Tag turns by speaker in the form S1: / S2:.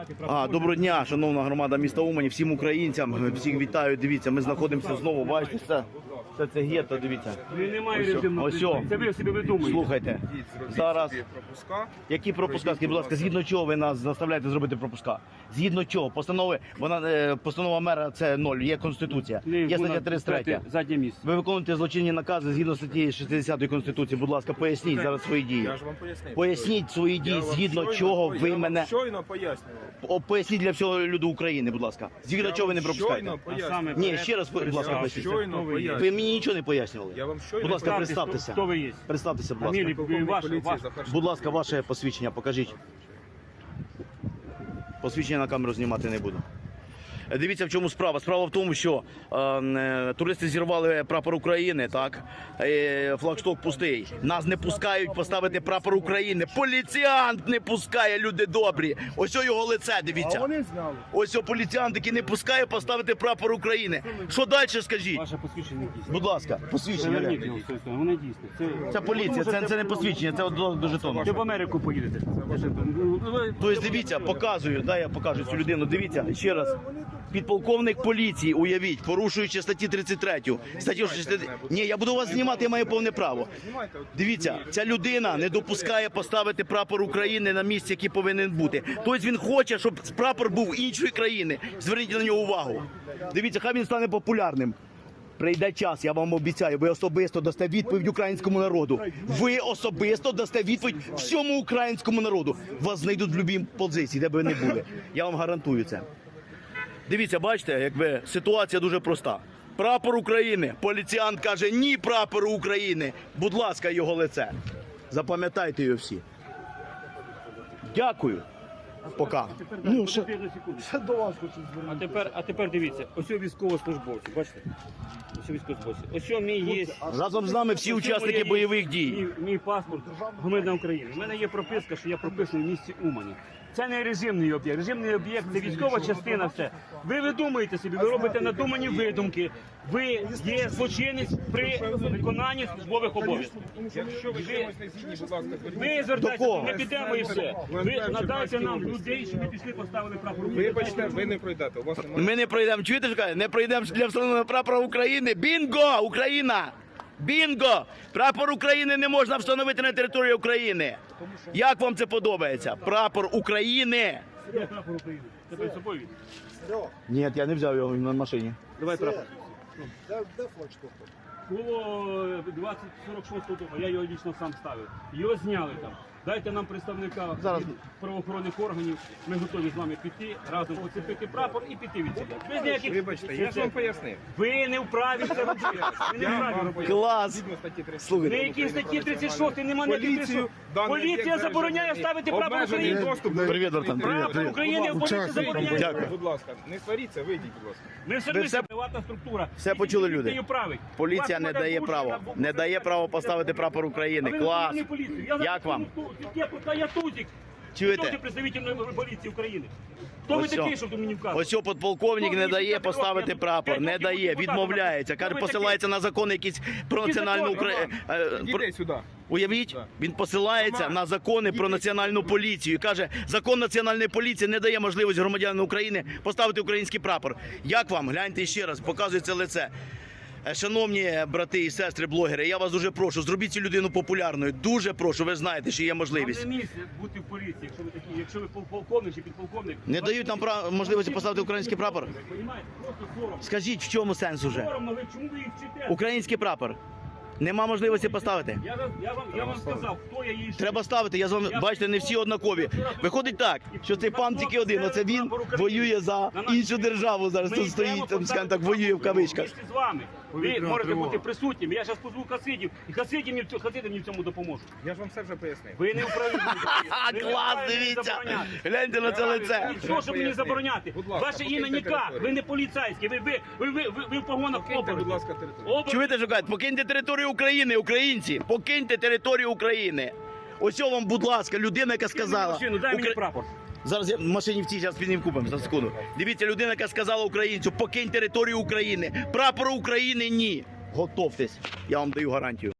S1: Доброго дня, шановна громада міста Умані, всім українцям, всіх вітаю. Дивіться, ми знаходимося знову, бачите, це гетто, дивіться.
S2: Немає режимного призову. Це ви собі видумуєте.
S1: Слухайте, зараз, які пропуска, скажіть, будь ласка, згідно чого ви нас заставляєте зробити пропуска? Згідно чого? Постанова мера це 0, є Конституція, є стаття 33.
S2: Заднє місце.
S1: Ви виконуєте злочинні накази згідно статті 60 Конституції, будь ласка, поясніть зараз свої дії.
S3: Я ж вам пояснив.
S1: Поясніть свої дії, згідно чого ви мене...
S3: Щойно пояснював.
S1: Поясніть для всього люду України, будь ласка. Згідно чого ви не пропускаєте?
S3: Щойно пояснював.
S1: Ні, ще раз, будь ласка, поясніть.
S3: Щойно
S1: Ви
S3: пояснював.
S1: мені нічого не пояснювали.
S3: Я вам щойно
S1: Будь ласка,
S3: пояснював.
S1: представтеся.
S2: Хто ви є?
S1: Представтеся, будь
S2: Фамілія,
S1: ласка.
S2: ваше.
S1: Будь ласка, ваше посвідчення покажіть. Посвідчення на камеру знімати не буду. Дивіться, в чому справа. Справа в тому, що туристи зірвали прапор України, так? Флагшток пустий. Нас не пускають поставити прапор України. Поліціант не пускає, люди добрі. Ось його лице, дивіться.
S3: Вони зняли.
S1: Ось поліціант, який не пускає поставити прапор України. Що далі скажіть?
S2: Ваше посвідчення дійсне.
S1: Будь ласка, посвідчення.
S2: Верніть його, воно дійсне.
S1: Це поліція, це не посвідчення, це до жетону.
S2: Ви в Америку поїдете.
S1: Тобто дивіться, показую, я покажу цю людину. Дивіться, ще раз. Підполковник поліції, уявіть, порушуючи статті 33. Ні, я буду вас знімати, я маю повне право. Дивіться, ця людина не допускає поставити прапор України на місці, який повинен бути. Тобто він хоче, щоб прапор був іншої країни. Зверніть на нього увагу. Дивіться, хай він стане популярним. Прийде час, я вам обіцяю, ви особисто дасте відповідь українському народу. Ви особисто дасте відповідь всьому українському народу. Вас знайдуть в будь-якій позиції, де б ви не були. Я вам гарантую це. Дивіться, бачите, якби ситуація дуже проста. Прапор України. Поліціант каже ні прапору України. Будь ласка, його лице. Запам'ятайте його всі. Дякую. Пока.
S2: Ну, ще до вас хочу звернути. А тепер дивіться, ось військовослужбовці, бачите? Ось військовослужбовці. Ось мій є...
S1: Разом з нами всі учасники бойових дій.
S2: Мій паспорт громадянина України. У мене є прописка, що я прописаний в місті Умані. Це не режимний об'єкт. Режимний об'єкт – це військова частина, все. Ви видумуєте собі, ви робите надумані видумки. Ви є злочинець при виконанні службових обов'язків.
S3: Якщо ви чимось не згідні, будь ласка,
S2: Ви звертайтеся, ми підемо і все. Ви надайте нам людей, щоб ми пішли поставили прапор України.
S3: вибачте, ви не пройдете. У вас немає.
S1: Ми не пройдемо, чуєте, що кажуть? Не пройдемо для встановлення прапора України. Бінго! Україна! Бінго! Прапор України не можна встановити на території України. Як вам це подобається? Прапор України!
S2: Де прапор України? Це перед собою він.
S1: Ні, я не взяв його на машині.
S2: Давай прапор.
S4: Де флагшток?
S2: Було 2046 року, я його лічно сам ставив. Його зняли там. Дайте нам представника
S1: Зараз.
S2: правоохоронних органів, ми готові з вами піти, разом поцепити прапор і піти від сюди. Без ніяких...
S3: Вибачте, я ж вам пояснив.
S2: Ви не вправі це робити. Ви не вправі робити.
S1: Клас!
S3: Згідно статті 30.
S2: На
S1: Слухайте,
S2: якій статті 36 нема ніяких
S3: Поліцію, даний
S2: Поліція
S3: об'єкт
S2: забороняє ставити прапор
S3: обмежений
S2: України.
S3: доступ до...
S1: привіт, Артем, привіт,
S2: Прапор
S1: привіт.
S2: України в поліції забороняє.
S1: Дякую.
S3: Будь ласка, не сваріться, вийдіть, будь ласка.
S2: Ми все
S1: Ви
S2: одно
S1: все-
S2: приватна структура.
S1: все почули, люди.
S2: Поліція править.
S1: Поліція
S2: Вас
S1: не дає
S2: буде
S1: право.
S2: порушена,
S1: Не дає право поставити прапор України.
S2: А ви
S1: Клас!
S2: не поліцію. Я
S1: Як вам?
S2: Я Тузик.
S1: Чуєте?
S2: Хто представитель поліції України? Хто ви
S1: Ось
S2: такий,
S1: о.
S2: що ви мені вказуєте?
S1: Ось цього подполковник не дає поставити прапор. Не дає, відмовляється. Каже, посилається на закони якісь про національну Україну.
S3: Ідіть сюди.
S1: Уявіть, він посилається на закони про національну поліцію. І каже, закон національної поліції не дає можливості громадянам України поставити український прапор. Як вам? Гляньте ще раз, показується лице. Шановні брати і сестри блогери, я вас дуже прошу, зробіть цю людину популярною. Дуже прошу, ви знаєте, що є
S2: Вам
S1: можливість.
S2: не місце бути в поліції, якщо ви полковник чи підполковник.
S1: Не дають нам можливості поставити український прапор?
S2: Понімаєте? Просто соромно.
S1: Скажіть, в чому сенс уже?
S2: Соромно, ви чому ви їх вчите?
S1: Український прапор. Нема можливості поставити.
S2: Я вам сказав, хто я її вчив.
S1: Треба ставити, я з вами, бачите, не всі однакові. Виходить так, що цей пан тільки один, оце він воює за іншу державу зараз, тут стоїть, там, скажімо так, воює в кавичках.
S2: З вами. Ви можете бути присутніми. Я зараз позву хасидів, і хасидів мені в цьому допоможуть.
S3: Я ж вам все вже пояснив.
S2: Ви не вправі.
S1: Клас, дивіться! Гляньте на це лице.
S2: Що, щоб мені забороняти?
S3: Будь ласка,
S2: Ваше ім'я
S3: покиньте
S2: ніяк,
S3: територію.
S2: ви не поліцейські, ви в погонах
S3: Покиньте, будь
S2: оборотів.
S3: ласка, територію.
S1: Чуєте, що кажуть? Покиньте територію України, українці! Покиньте територію України! Ось вам, будь ласка, людина, яка сказала...
S2: Машину, дай мені
S1: Укра-
S2: прапор.
S1: Зараз я в машині в цій, зараз під ним купимо, за секунду. Дивіться, людина, яка сказала українцю, покинь територію України. Прапору України ні. Готовтесь, я вам даю гарантію.